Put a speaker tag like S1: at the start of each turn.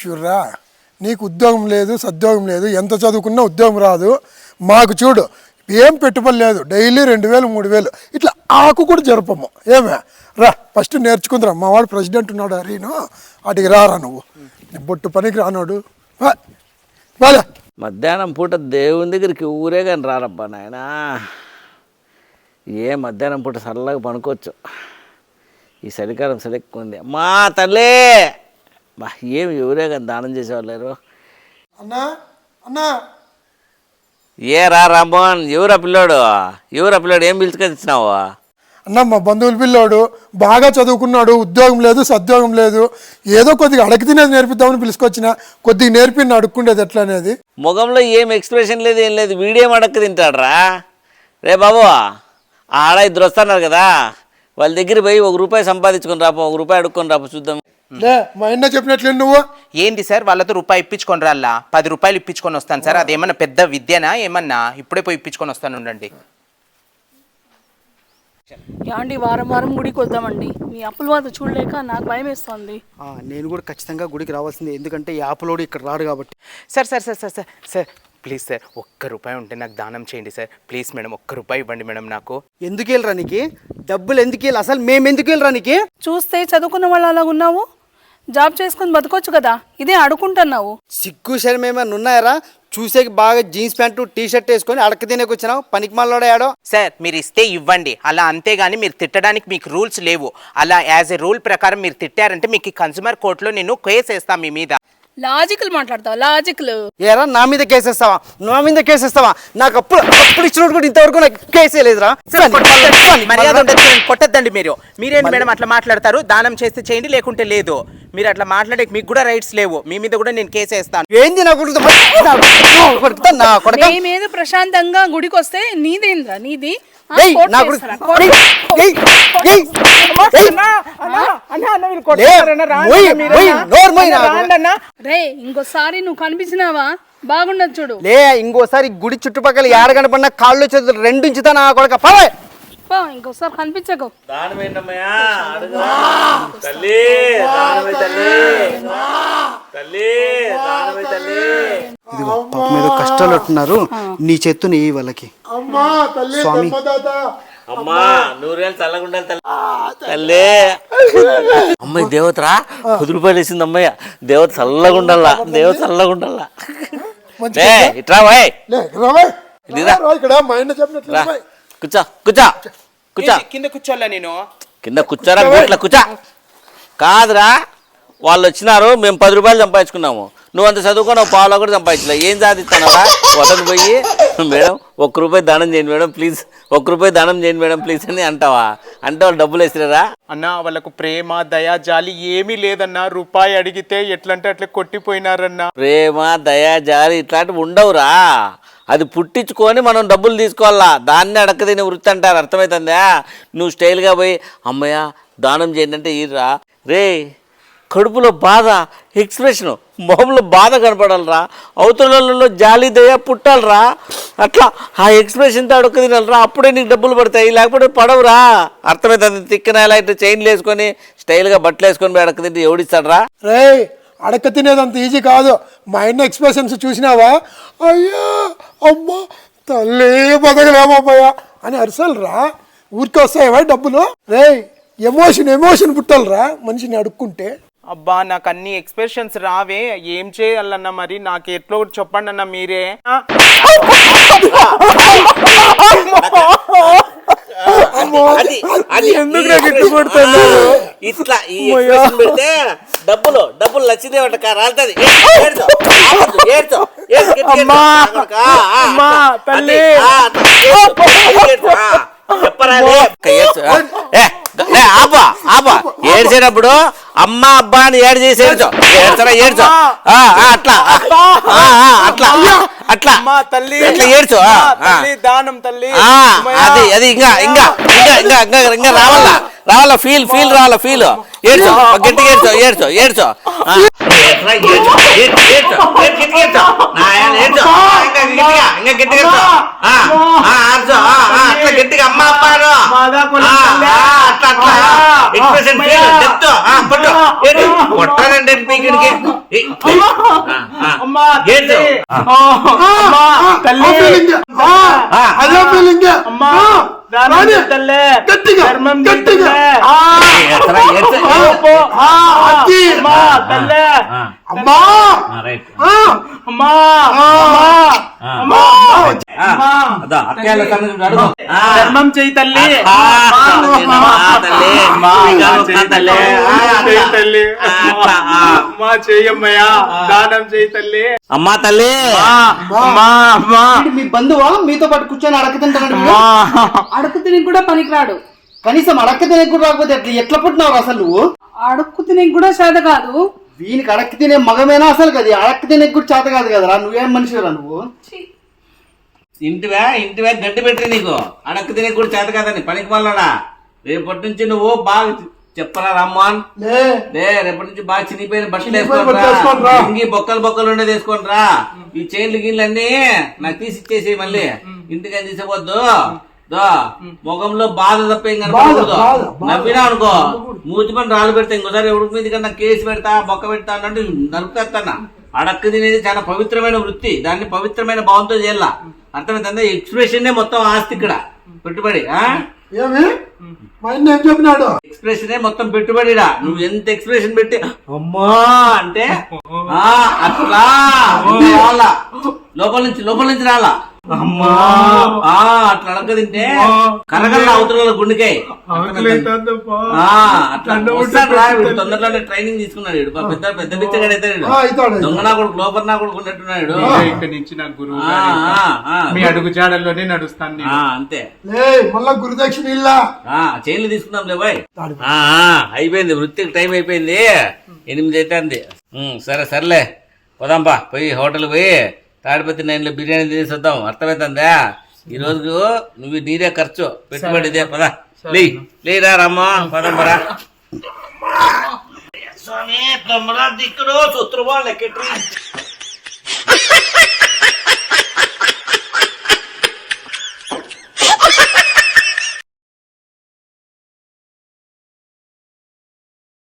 S1: చూర్రా, నీకు ఉద్యోగం లేదు, సద్యోగం లేదు, ఎంత చదువుకున్నా ఉద్యోగం రాదు. మాకు చూడు ఏం పెట్టుబడి లేదు, డైలీ 2000 3000 ఇట్లా ఆకు కూడా జరపము. ఏమే రా, ఫస్ట్ నేర్చుకుందిరా. మా వాడు ప్రెసిడెంట్ ఉన్నాడు హరీను, అటుకి రారా నువ్వు. బొట్టు పనికి రానాడు బాలే.
S2: మధ్యాహ్నం పూట దేవుని దగ్గరికి ఊరే కానీ రారబ్బా నాయన. ఏ మధ్యాహ్నం పూట చల్లగా పనుకోవచ్చు. ఈ చలికాలం ఎక్కువ ఉంది. మా తల్లే బా, ఏమి ఎవరే కానీ దానం చేసేవాళ్ళు లేరు.
S1: అన్నా అన్నా,
S2: ఏ రా రామ్మోహన్, ఎవరా పిల్లోడు ఏం పిలుచుకొని ఇచ్చినావు?
S1: అన్న మా బంధువుల పిల్లోడు బాగా చదువుకున్నాడు, ఉద్యోగం లేదు, సద్యోగం లేదు. ఏదో కొద్దిగా అడగ తినేది నేర్పిద్దామని పిలుచుకొచ్చిన. కొద్దిగా నేర్పిన అడుక్కుండేది ఎట్లా అనేది.
S2: ముఖంలో ఏం ఎక్స్ప్రెషన్ లేదు, ఏం లేదు. వీడియో అడక్క తింటాడ్రా. రే బాబు, ఆడ ఇద్దరు వస్తున్నారు కదా, వాళ్ళ దగ్గర పోయి ₹1 సంపాదించుకొని రాపో, ₹1 అడుక్కొని రాపో చూద్దాం.
S1: లే, మా అన్న చెప్పినట్లే నువ్వు.
S3: ఏంటి సార్, వాళ్ళతో రూపాయి ఇప్పించుకొని రాలా? ₹10 ఇప్పించుకొని వస్తాను సార్. అదేమన్నా పెద్ద విద్యనా ఏమన్నా? ఇప్పుడే పోయి ఇప్పించుకొని వస్తాను ఉండండి.
S4: యాండి వారం వారం గుడికి వద్దామండి. మీ అప్పుల వాద చూడలేక నాకు భయం వేస్తుంది.
S5: నేను కూడా ఖచ్చితంగా గుడికి రావాల్సిందే, ఎందుకంటే ఈ ఆపులోడు ఇక్కడ రాడు కాబట్టి.
S3: Sir sir sir sir sir sir please sir, ₹1 ఉంటే నాకు దానం చేయండి సార్. ప్లీజ్ మేడం, ₹1 ఇవ్వండి మేడం నాకు.
S5: ఎందుకు వెళ్ళరా నీకు డబ్బులు? ఎందుకు వెళ్ళి అసలు మేము ఎందుకు వెళ్ళరా నీకు?
S4: చూస్తే చదువుకున్న వాళ్ళు అలా ఉన్నావు, జాబ్ చేసుకుని బతకొచ్చు కదా, ఇదే అడుకుంటున్నావు.
S5: సిగ్గు శరం ఏమైనా ఉన్నాయరా? చూసేకి బాగా జీన్స్ ప్యాంటు టీ షర్ట్ వేసుకొని అడక తినేకి వచ్చినావు, పనికి మళ్ళాడాడో.
S3: సార్ మీరు ఇస్తే ఇవ్వండి, అలా అంతేగాని మీరు తిట్టడానికి మీకు రూల్స్ లేవు. అలా యాజ్ ఎ రూల్ ప్రకారం మీరు తిట్టారంటే మీకు కన్స్యూమర్ కోర్టులో నేను కేసు వేస్తాను మీ మీద.
S4: లాజికల్ మాట్లాడతావు, లాజికల్.
S5: ఏరా నా మీద కేసేస్తావా? నా మీద కేసేస్తావా? నాకు అప్పుడు ఇచ్చినట్టు కూడా ఇంతవరకు నాకు కేసే లేదురా.
S3: మర్యాద ఉండదు, కొట్టద్దండి మీరు. మీరేంటి మేడం అట్లా మాట్లాడతారు? దానం చేస్తే చేయండి, లేకుంటే లేదు. మీరు అట్లా మాట్లాడే మీకు కూడా రైట్స్ లేవు. మీ మీద కూడా నేను కేసు వేస్తాను.
S5: ఏంది నా కొడుకు?
S4: నీ మీద ప్రశాంతంగా గుడికి వస్తే నీదేంద్రా? నీది రే, ఇంకోసారి నువ్వు కనిపించినావా బాగుండదు చూడు.
S5: లే, ఇంకోసారి గుడి చుట్టుపక్కల ఏడ కనపడినా కాళ్ళు చేతులు 2 ఇంచుతా నా కొడుక.
S4: ఇంకోసారి కనిపించకు.
S5: ఇదిగో పాప మీద కష్టాలు అంటున్నారు, నీ చేత్తు నీ వాళ్ళకి. స్వామి
S2: అమ్మా, 100 చల్లగుండా తల్లే. అమ్మాయి దేవతరా, ₹10 వేసింది అమ్మాయి. దేవత చల్లగుండల్లా, దేవత చల్లగుండల్లా. ఇట్రా బాయ్, కూర్చో కూర్చో కూర్చో.
S3: కింద కూర్చోాలా? నేను
S2: కింద కూర్చోరా, ఇట్లా కూర్చో. కాదురా, వాళ్ళు వచ్చినారు, మేము ₹10 సంపాదించుకున్నాము. నువ్వు అంత చదువుకున్నావు, పావులా కూడా సంపాదించలే. ఏం సాధిస్తున్నావా? వదలు పోయి మేడం ₹1 దానం చేయండి మేడం ప్లీజ్, ₹1 దానం చేయండి మేడం ప్లీజ్ అని అంటావా? అంటే వాళ్ళు డబ్బులు వేసిరారా?
S3: అన్న, వాళ్ళకు ప్రేమ దయా జాలి ఏమీ లేదన్నా. ₹1 అడిగితే ఎట్లంటే అట్లా కొట్టిపోయినారన్నా.
S2: ప్రేమ దయా జాలి ఇట్లాంటివి ఉండవురా. అది పుట్టించుకొని మనం డబ్బులు తీసుకోవాలా. దాన్ని అడక్క తినే వృత్తి అంటారు, అర్థమవుతుందా? నువ్వు స్టైల్గా పోయి అమ్మయ్య దానం చేయండి అంటే ఈరా. రే, కడుపులో బాధ, ఎక్స్ప్రెషను, మొహంలో బాధ కనపడాలరా. అవతలలో జాలి దయ పుట్టాలరా. అట్లా ఆ ఎక్స్ప్రెషన్తో అడక్క తినాలరా, అప్పుడే నీకు డబ్బులు పడతాయి, లేకపోతే పడవురా. అర్థమవుతుంది? తిక్కన ఇలా ఇట్లా చైన్లు వేసుకొని స్టైల్గా బట్టలు వేసుకొని పోయి అడక్క తింటే ఎవడిస్తాడరా?
S1: రే, అడక్క తినేది అంత ఈజీ కాదు. మా ఆయన ఎక్స్ప్రెషన్స్ చూసినావా? అయ్యా అమ్మా తల్లి బతకలేమయ్యా అని అరిసలరా. ఊరికి వస్తాయవా డబ్బులు? రే, ఎమోషన్ పుట్టాలరా మనిషిని అడుక్కుంటే.
S3: అబ్బా, నాకు అన్ని ఎక్స్ప్రెషన్స్ రావే. ఏం చేయాలన్నా మరి నాకు ఎట్లా కూడా చెప్పండి అన్న మీరే.
S2: ఇట్లా పెడితే డబ్బులు లక్ష్మీదేవి రాలుతుంది. ఏడ్చేటప్పుడు అమ్మ అబ్బా అని ఏడు చేసి ఏడ్చో అట్లా అట్లా అట్లా
S3: తల్లి
S2: అట్లా ఏడ్చో.
S3: దానం తల్లి,
S2: అది ఇంకా ఇంకా ఇంకా ఇంకా ఇంకా రావాలా ఫీల్ రావాలా ఫీల్. ఏడ్చో, గట్టిగా ఏడ్చో ఇంకా గట్టిగా అట్లా గట్టిగా అమ్మ అప్పారు అట్లా అట్లా expression feel, depth. పట్టు. ఏంటి? కొట్టానంటే పీకిడికి.
S3: అమ్మా
S2: ఏంటి?
S3: తల్లి
S1: అదే ఫీలింగ్
S3: అమ్మా దానం చేస్తలే
S1: గట్టిగా
S3: ధర్మం
S1: గట్టిగా
S2: ఎత్తరా, ఎత్తు.
S3: అమ్మా తల్లి
S1: అమ్మా
S2: రైట్.
S3: అమ్మా అమ్మా
S2: అదా అక్కయ్యల సంగతి అడుగు.
S3: ధర్మం చేయి తల్లి అమ్మా చెయ్యమ్మయ్యా దానం చేయి తల్లి
S2: అమ్మా తల్లి.
S3: అమ్మా అమ్మా
S5: మీ బంధువా మీతో పాటు కూర్చొని అడక తింటాడు
S4: అడుక్కు తినకి కూడా పనికిరాడు.
S5: కనీసం అడక్క తినకు కూడా రాకపోతే ఎట్లా పుట్టినావు అసలు నువ్వు?
S4: అడుక్కు తినకి కూడా చేత కాదు.
S5: వీనికి అడక్క తినే మగమేనా అసలు కదా? అడక్క తినకు కూడా చేత కాదు కదరా, నువ్వేం మనిషిరా నువ్వు?
S2: ఇంటివే గడ్డి పెట్టి నీకు అడక్క తినే కూడా చేత కాదని పనికి మళ్ళాడా. రేపటి నుంచి నువ్వు బాగా చెప్పరా రమ్మన్ లే, రేపటి నుంచి బాగా చినిపోయిన బట్టలు వేసుకోండిరా, ఇంగి బొక్కలు ఉండేది వేసుకోండిరా. ఈ చైన్లు గిన్లు అన్ని నాకు తీసి ఇచ్చేసి మళ్ళీ ఇంటికి అని తీసేపోద్దు. ముఖంలో బాధ తప్ప ఏం కనపడకూడదు. నవ్వినా అనుకో మూతి పని రాళ్ళు పెడతా, ఇంకోసారి ఎవరి మీద కన్నా కేసు పెడతా బొక్క పెడతా అన్నట్టు నరుకుతాను. అడక్క తినేది చాలా పవిత్రమైన వృత్తి, దాన్ని పవిత్రమైన భావంతో చేయాల. అర్థమైందా? ఎక్స్ప్రెషన్ మొత్తం ఆస్తి ఇక్కడ పెట్టుబడి.
S1: ఏమి మా ఆయన ఏం చెప్పినాడు?
S2: ఎక్స్ప్రెషన్ మొత్తం పెట్టుబడిరా. నువ్వు ఎంత ఎక్స్ప్రెషన్ పెట్టి అమ్మా అంటే అట్లా రావాలా, లోపల నుంచి రాలా. అమ్మా అట్లా అడగ తింటే కరగల అవతల గుండెకాయ అట్లా వస్తాడు రా. వీడు తొందరలోనే ట్రైనింగ్ తీసుకున్నాడు. వీడు పెద్ద బిచ్చగాడు అవుతాడు. దొంగ నా కొడుకు లోపల నా కొడుకు ఉన్నట్టున్నాడు.
S3: ఇక్కడి నుంచి నాకు గురువు మీ అడుగు జాడల్లోనే నడుస్తాను నేను.
S2: అంతే.
S1: మళ్ళా గురుదక్షిణ ఇల్లా
S2: చైన్లు తీసుకుందాం లే బాయ్. అయిపోయింది, వృత్తికి టైం అయిపోయింది. 8 అవుతుంది. సర్లే పోదాంపా, పోయి హోటల్ పోయి తాడిపత్రి 9లో బిర్యానీ తినేసి వద్దాం. అర్థమవుతుందా? ఈ రోజు నువ్వు నీరే ఖర్చు పెట్టుబడిదే. పదా లేరా రమ్మా, పదం పరా. స్వామి తమ్ముడా దిక్కుడు సూత్రమా లెక్కెట్టు